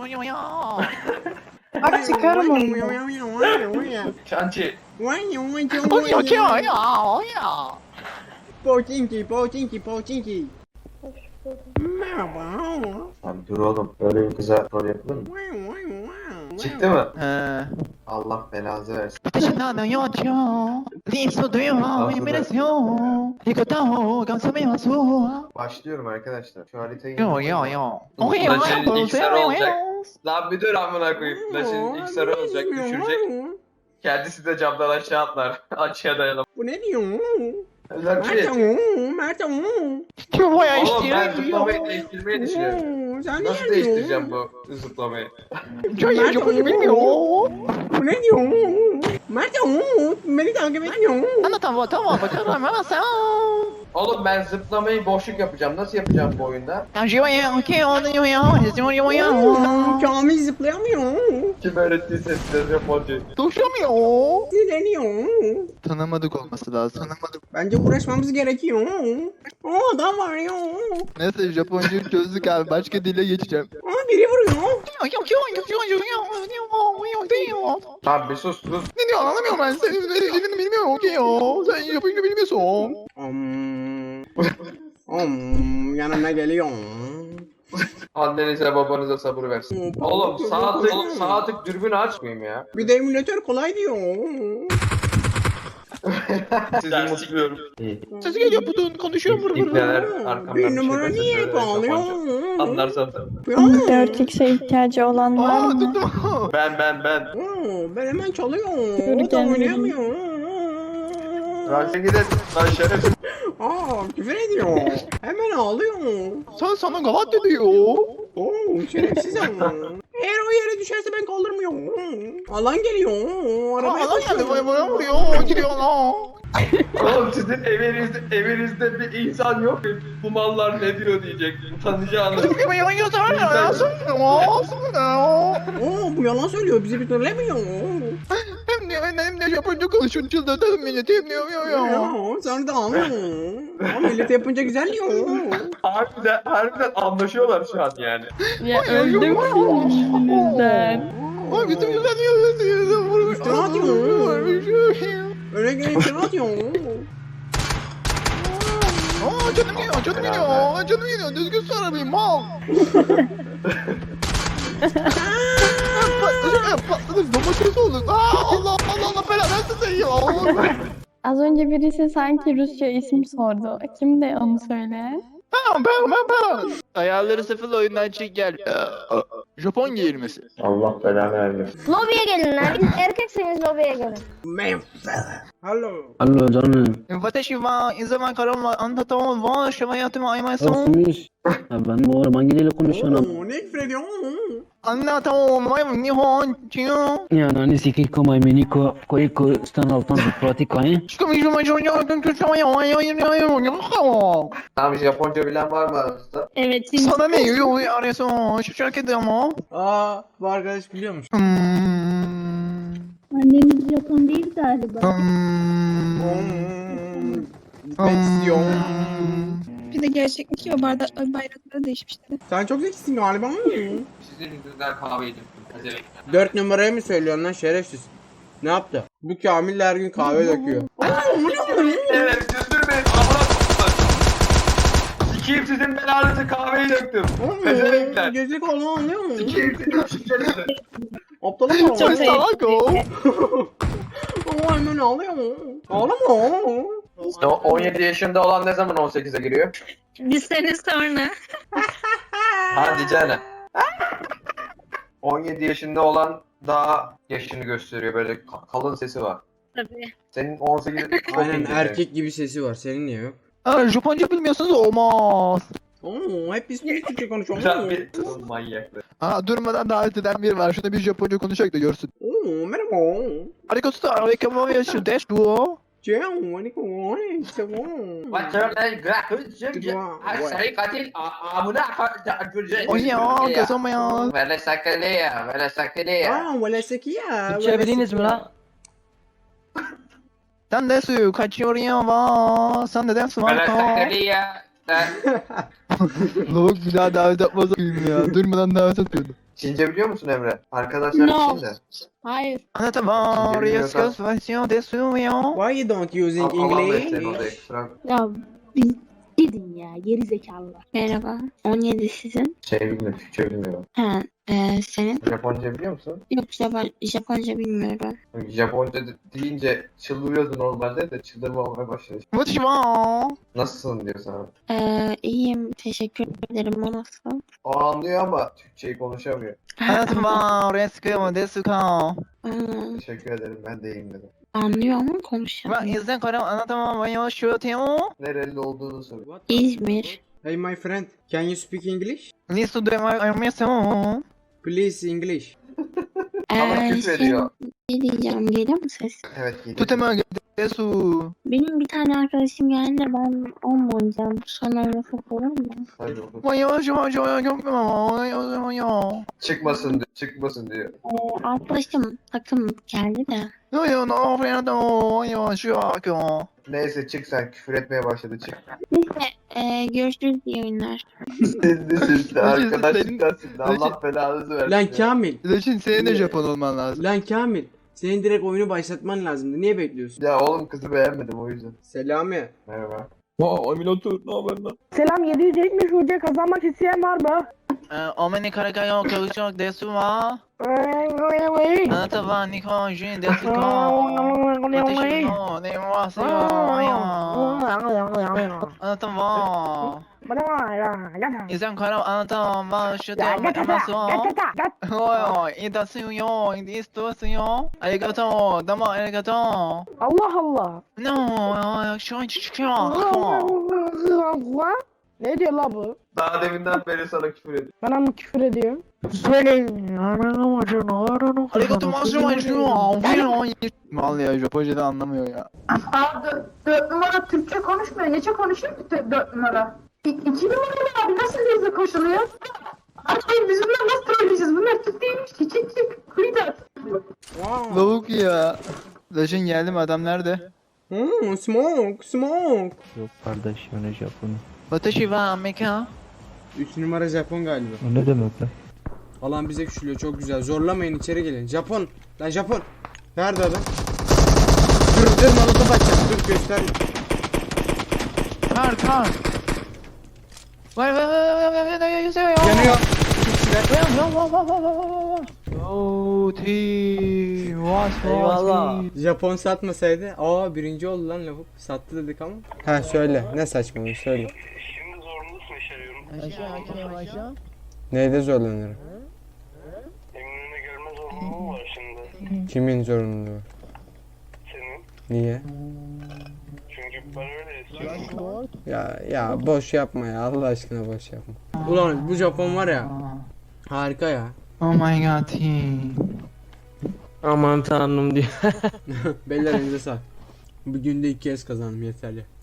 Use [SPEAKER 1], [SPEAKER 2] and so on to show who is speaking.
[SPEAKER 1] Bak çıkarım onu.
[SPEAKER 2] Çançı.
[SPEAKER 3] Poçinki. Merhaba.
[SPEAKER 4] Abi dur oğlum. Böyle bir kıza rol yapılır mı? Çıktı mı?
[SPEAKER 5] He.
[SPEAKER 4] Allah belanızı versin. Başlıyorum arkadaşlar. Şu haritayı...
[SPEAKER 2] Flash'ın ilk sarı olacak. Lan bir dur amına koyayım. Flash'ın ilk sarı olacak. Düşürecek. Kendisi de camdan aşağı atlar. Açığa dayanamaz.
[SPEAKER 3] Bu ne diyor?
[SPEAKER 4] Lucky.
[SPEAKER 3] Mert'e
[SPEAKER 2] Oğlum ben zıplamayı değiştirmeyi düşünüyorum.
[SPEAKER 3] Sen
[SPEAKER 2] Nasıl
[SPEAKER 3] ne
[SPEAKER 2] değiştireceğim bu zıplamayı?
[SPEAKER 3] Bu ne diyor? Mert'e beni takip ediyor.
[SPEAKER 2] Oğlum ben zıplamayı boşluk yapacağım. Nasıl yapacağım bu oyunda?
[SPEAKER 3] Kamil zıplayamıyor.
[SPEAKER 2] Kim öğrettiyse size Japonca.
[SPEAKER 3] Sinirleniyor.
[SPEAKER 5] Tanımadık olması lazım.
[SPEAKER 3] Bence uğraşmamız gerekiyor. Adam var ya.
[SPEAKER 5] Neyse Japoncayı çözdük abi. Başka dile geçeceğim.
[SPEAKER 3] Biri vuruyor.
[SPEAKER 2] Abi bir sus sus.
[SPEAKER 5] Ne diyor anlamıyorum ben. Senin dediğini bilmiyorum ki ya. Sen Japonca bilmiyorsun.
[SPEAKER 3] Yanıma geliyor.
[SPEAKER 2] Annenize babanıza sabır versin. Oğlum sağ tık dürbünü açmayayım ya.
[SPEAKER 3] Bir de emülatör kolay diyor.
[SPEAKER 2] Sizi mutluyorum.
[SPEAKER 5] Sesi geliyor budun konuşuyor vur vur.
[SPEAKER 2] İpneler arkamdan
[SPEAKER 3] Bir
[SPEAKER 2] bir
[SPEAKER 3] numara
[SPEAKER 2] şey
[SPEAKER 3] niye
[SPEAKER 2] derse
[SPEAKER 3] bağlıyor?
[SPEAKER 2] Japonca. Anlarsan tabii.
[SPEAKER 6] 4x'e ihtiyacı olan var
[SPEAKER 5] Aa
[SPEAKER 6] mı?
[SPEAKER 5] tuttum.
[SPEAKER 2] Ben.
[SPEAKER 3] Ben hemen çalıyor.
[SPEAKER 6] Yürü
[SPEAKER 3] O da
[SPEAKER 6] gel.
[SPEAKER 3] oynayamıyor.
[SPEAKER 2] Raşa gidelim. Lan şerefsiz.
[SPEAKER 3] Küfür ediyor. Hemen ağlıyor.
[SPEAKER 5] Sen sana gavat diyor.
[SPEAKER 3] Şerefsiz ama. Eğer o yere düşerse ben kaldırmıyorum. Alan geliyor. Arabaya
[SPEAKER 5] Allah geldi
[SPEAKER 3] koşuyor.
[SPEAKER 5] bana vuruyor. Giriyor lan.
[SPEAKER 2] Oğlum sizin evinizde bir insan yok mu? Bu mallar ne diyor diyecek. Utanacağınız.
[SPEAKER 3] Bu yalan söylüyor. Bizi bir türlemiyor.
[SPEAKER 5] Hem de Japonca konuşuyor. Çıldırtalım milleti. Hem de
[SPEAKER 3] Sen de anlıyor. Millet yapınca güzel diyor.
[SPEAKER 2] Harbiden anlaşıyorlar şu an yani.
[SPEAKER 6] Ya öldüm yüzünüzden.
[SPEAKER 5] Ay bütün yüzden yiyorsun. Vurmuş.
[SPEAKER 3] İftira atıyor. Öyle gelin iftira atıyor.
[SPEAKER 5] Aa canım geliyor. Düzgün sarılayım mal. Patladık domates olduk. Allah belanı versin ya.
[SPEAKER 6] Az önce birisi sanki Rusça isim sordu. Kimdi onu söyle?
[SPEAKER 5] Ben. Ayarları sıfır oyundan çık gel. Japon giyirmesi.
[SPEAKER 4] Allah belanı vermesin.
[SPEAKER 7] Lobiye gelin lan. Erkekseniz lobiye gelin.
[SPEAKER 3] Hello.
[SPEAKER 8] Hallo canım.
[SPEAKER 5] Watashi wa inzaman karamla anlatamam wa şamayatımı aymayasın.
[SPEAKER 8] Nasılsınız? Ben bu araba hangiyle konuşuyorum?
[SPEAKER 3] Ne küfür ediyor?
[SPEAKER 5] Anlatamam Nihon Chiyo.
[SPEAKER 8] Ya nani siki komay meniko koyiko stan altan pratik ayı.
[SPEAKER 2] Tamam Japonca bilen var mı aranızda?
[SPEAKER 6] Evet
[SPEAKER 5] Sana ne yiyor arıyorsun? Şu şarkı ama.
[SPEAKER 3] Bu arkadaş biliyor musun?
[SPEAKER 6] Annemiz Japon değil galiba.
[SPEAKER 3] Benziyor.
[SPEAKER 1] Bir de gerçeklik o bayrakları değişmişler.
[SPEAKER 3] Sen çok zekisin galiba.
[SPEAKER 2] Sizin yüzünden kahve yedim.
[SPEAKER 3] 4 numaraya mı söylüyorsun lan şerefsiz? Ne yaptı? Bu Kamil her gün kahve döküyor.
[SPEAKER 2] Evet güldürmeyin. Amına sikeyim sizin belanızı kahveyi döktüm. Pezevenkler.
[SPEAKER 3] Gezek olan anlıyor musun?
[SPEAKER 2] Sikeyim sizin şişenizi.
[SPEAKER 3] Aptalım mı?
[SPEAKER 5] Çok salak o.
[SPEAKER 3] Hemen ağlıyor mu? Ağlama.
[SPEAKER 2] 17 yaşında olan ne zaman 18'e giriyor?
[SPEAKER 1] Bir sene sonra.
[SPEAKER 2] Hadi canım. 17 yaşında olan daha yaşını gösteriyor. Böyle kalın sesi var.
[SPEAKER 1] Tabii.
[SPEAKER 2] Senin 18
[SPEAKER 3] Aynen erkek gibi sesi var. Senin niye yok?
[SPEAKER 5] Japonca bilmiyorsunuz olmaz.
[SPEAKER 3] Hep biz Türkçe konuşuyoruz.
[SPEAKER 2] Güzel bir manyaklı.
[SPEAKER 5] Durmadan davet eden biri var. Şuna bir Japonca konuşacak da görsün.
[SPEAKER 3] Merhaba.
[SPEAKER 5] Arigato, arigato, yaşu desu.
[SPEAKER 3] Ciao, aleyküm.
[SPEAKER 2] Saya katil amuna
[SPEAKER 5] Oya, kazanmaya.
[SPEAKER 2] Vele sakaleya.
[SPEAKER 3] Valla sekiya.
[SPEAKER 8] Türkçe bildiniz mi lan?
[SPEAKER 5] Sen desu, kaçıyor ya va. Sen neden
[SPEAKER 2] Vele
[SPEAKER 5] sıvarka?
[SPEAKER 2] sakaleya.
[SPEAKER 5] Lavuk bir daha davet atmaz ya. Durmadan davet atıyordu.
[SPEAKER 2] Çince biliyor musun Emre? Arkadaşlar
[SPEAKER 1] No.
[SPEAKER 2] Çince.
[SPEAKER 1] Hayır.
[SPEAKER 5] Anlatamam.
[SPEAKER 2] Bilmiyorsan-
[SPEAKER 5] Rescue desuyo.
[SPEAKER 3] Why you don't using
[SPEAKER 2] Allah'ım
[SPEAKER 3] English?
[SPEAKER 2] seni odaya kusura.
[SPEAKER 9] Ya biz gidin ya geri zekalılar.
[SPEAKER 1] Merhaba. 17 sizin.
[SPEAKER 2] Şey bilmiyorum, Türkçe bilmiyorum.
[SPEAKER 1] Ha, senin?
[SPEAKER 2] Japonca biliyor musun?
[SPEAKER 1] Yok Japonca bilmiyorum.
[SPEAKER 2] Japonca deyince çıldırıyordu normalde de çıldırma olmaya başladı.
[SPEAKER 5] What you want?
[SPEAKER 2] Nasılsın diyor sana.
[SPEAKER 1] İyiyim. Teşekkür ederim. O nasıl?
[SPEAKER 2] O anlıyor ama Türkçeyi konuşamıyor.
[SPEAKER 5] Anlatamam. Rescue desuyo.
[SPEAKER 2] Teşekkür ederim ben de iyiyim dedim.
[SPEAKER 1] Anlıyor ama
[SPEAKER 5] Ben
[SPEAKER 1] konuşamıyor.
[SPEAKER 5] izden karam anlatamam. Ben yaşıyorum.
[SPEAKER 2] Nereli olduğunu soruyor.
[SPEAKER 3] What?
[SPEAKER 1] İzmir.
[SPEAKER 3] Hey my friend, can you speak English?
[SPEAKER 5] Listo de armação.
[SPEAKER 3] Please English.
[SPEAKER 2] Ama küfür ediyor.
[SPEAKER 1] Ne diyeceğim? Geliyor mu ses?
[SPEAKER 2] Evet geliyor.
[SPEAKER 5] Tu te desu.
[SPEAKER 1] Benim bir tane arkadaşım geldi de ben onunla oynayacağım. Sonra oynasın olur mu?
[SPEAKER 2] Hadi oğlum.
[SPEAKER 5] Ben yaşıyorum.
[SPEAKER 2] Çıkmasın diyor. Çıkmasın diyor.
[SPEAKER 1] Arkadaşım takım geldi de.
[SPEAKER 2] Neyse çık sen küfür etmeye başladı çık.
[SPEAKER 1] Neyse görüşürüz iyi oyunlar.
[SPEAKER 2] Sizde arkadaşlıktan sizde Allah belanızı versin.
[SPEAKER 3] Lan Kamil,
[SPEAKER 5] Leşin senin de Japon olman lazım.
[SPEAKER 3] lan Kamil. Senin direkt oyunu başlatman lazımdı. Niye bekliyorsun?
[SPEAKER 2] Ya oğlum kızı beğenmedim o yüzden.
[SPEAKER 3] Selami.
[SPEAKER 2] Merhaba.
[SPEAKER 9] Selam 770 hoca kazanmak isteyen var mı?
[SPEAKER 5] Omeni karakayo kalacak desu wa. Anlatamam Nikon Jin desu ko. Anlatamam. İzden karam anlatamam. Ben yaşıyorum armação. Oy, idasuyo, idistosuyo. Arigato, dama arigato.
[SPEAKER 9] Allah Allah.
[SPEAKER 5] No, şu an çıkıyor.
[SPEAKER 9] Ne diyor la bu?
[SPEAKER 2] Daha deminden beri sana küfür ediyor.
[SPEAKER 9] Bana mı küfür ediyor? Söyleyin.
[SPEAKER 5] Arigato maşumaşu. Mal ya Japonca'da anlamıyor ya.
[SPEAKER 10] Abi 4 numara Türkçe konuşmuyor. Nece konuşuyor ki 4 numara? 2 numaralı abi nasıl hızlı koşuluyor? Abi biz bunları nasıl trolleyeceğiz? Bunlar Türk değilmiş ki. Çık. Kuyudat.
[SPEAKER 5] Lavuk ya. Leşin geldim adam nerede?
[SPEAKER 3] Smoke.
[SPEAKER 8] Yok kardeş öyle Japon'u.
[SPEAKER 5] Watashi wa Amerika.
[SPEAKER 3] 3 numara Japon galiba.
[SPEAKER 8] O ne demek lan?
[SPEAKER 3] Alan bize küçülüyor çok güzel. Zorlamayın içeri gelin. Japon. Lan Japon. Nerede adam? Dur molotof açacağım. Dur göster.
[SPEAKER 5] Kar. Vay.
[SPEAKER 3] Yanıyor.
[SPEAKER 5] Oh, eyvallah.
[SPEAKER 3] Japon satmasaydı. Aa birinci oldu lan lavuk. Sattı dedik ama. Ha söyle. Ne saçmalığı söyle.
[SPEAKER 11] Şimdi zorunlu yaşıyorum.
[SPEAKER 5] Aşağı.
[SPEAKER 3] Neyde zorlanırım?
[SPEAKER 11] Eminönü'ne gelme zorunluluğu var şimdi.
[SPEAKER 3] Kimin zorunluluğu?
[SPEAKER 11] Senin.
[SPEAKER 3] Niye?
[SPEAKER 11] Çünkü ben öyle istiyorum.
[SPEAKER 3] Ya boş yapma ya. Allah aşkına boş yapma. Ulan bu Japon var ya. Harika ya.
[SPEAKER 5] Oh my god.
[SPEAKER 8] Aman tanrım diyor.
[SPEAKER 3] Beyler elinize sağ. Bugün de 2 kez kazandım yeterli.